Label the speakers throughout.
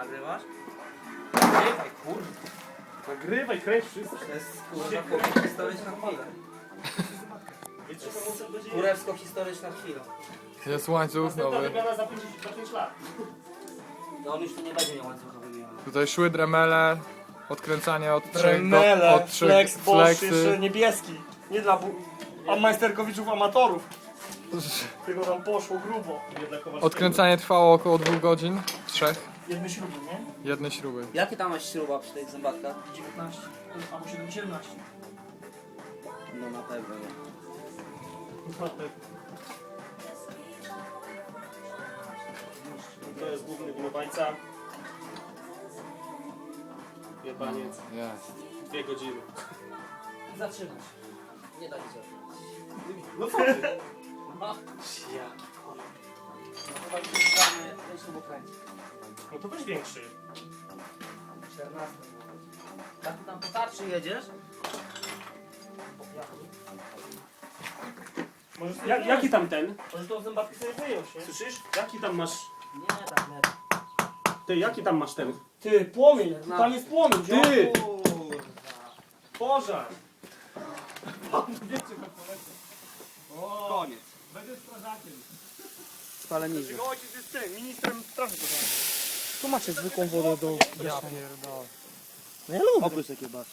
Speaker 1: Nagrywasz? Nagrywaj, kurwa.
Speaker 2: Nagrywaj, kręć wszystko.
Speaker 1: To jest kurwa historyczna chwila. Kurewsko-historyczna chwila.
Speaker 3: Jest łańcuch
Speaker 2: Następna
Speaker 3: nowy.
Speaker 2: wymiana za 5 lat.
Speaker 1: To on już tu nie będzie miał łańcucha wymiany.
Speaker 3: Tutaj szły dremele. Odkręcanie od 3
Speaker 2: Tremele,
Speaker 3: od 3
Speaker 2: flex, Bosch, jeszcze
Speaker 3: flexy.
Speaker 2: niebieski. Nie dla majsterkowiczów amatorów. Tylko tam poszło grubo.
Speaker 3: Odkręcanie trwało około 2 godzin. 3.
Speaker 2: Jedne śruby, nie?
Speaker 3: Jednej śruby.
Speaker 1: Jakie tam masz śruba przy tych zębatkach?
Speaker 2: 19. Albo 17.
Speaker 1: No na pewno nie.
Speaker 2: To jest główny winowajca. Jebaniec.
Speaker 3: Jest.
Speaker 2: 2 godziny.
Speaker 1: Zatrzymać. Nie da się zatrzymać.
Speaker 2: No co ty?
Speaker 1: No.
Speaker 2: Ja.
Speaker 1: No to tak wygramy ten śrubokręt.
Speaker 2: No to weź większy.
Speaker 1: 14. Jak ty tam po tarczy jedziesz?
Speaker 2: Jaki tam ten?
Speaker 1: Może tą zębatkę sobie wyjąć, nie?
Speaker 2: Słyszysz? Jaki tam masz...
Speaker 1: Nie, tak nie.
Speaker 2: Ty, jaki tam masz ten?
Speaker 4: Ty, płomień,
Speaker 1: No.
Speaker 4: tam jest płomień,
Speaker 2: Ty!
Speaker 1: Kurwa.
Speaker 2: Pożar!
Speaker 1: Koniec.
Speaker 2: Będę strażakiem.
Speaker 1: Spalenizny.
Speaker 2: Jego ojciec jest tym, ministrem straży pożarnej.
Speaker 4: Tu macie zwykłą wodę do...
Speaker 3: Ja pierdolę.
Speaker 4: No ja lubię.
Speaker 1: Oprócz takiej basz.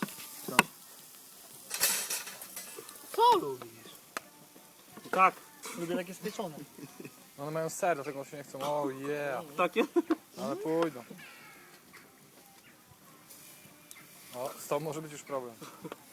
Speaker 4: Co lubisz? Tak, lubię takie spieczone.
Speaker 3: One mają ser, dlatego się nie chcą. Oh yeah.
Speaker 2: Takie?
Speaker 3: Ale pójdą. O, z tą może być już problem.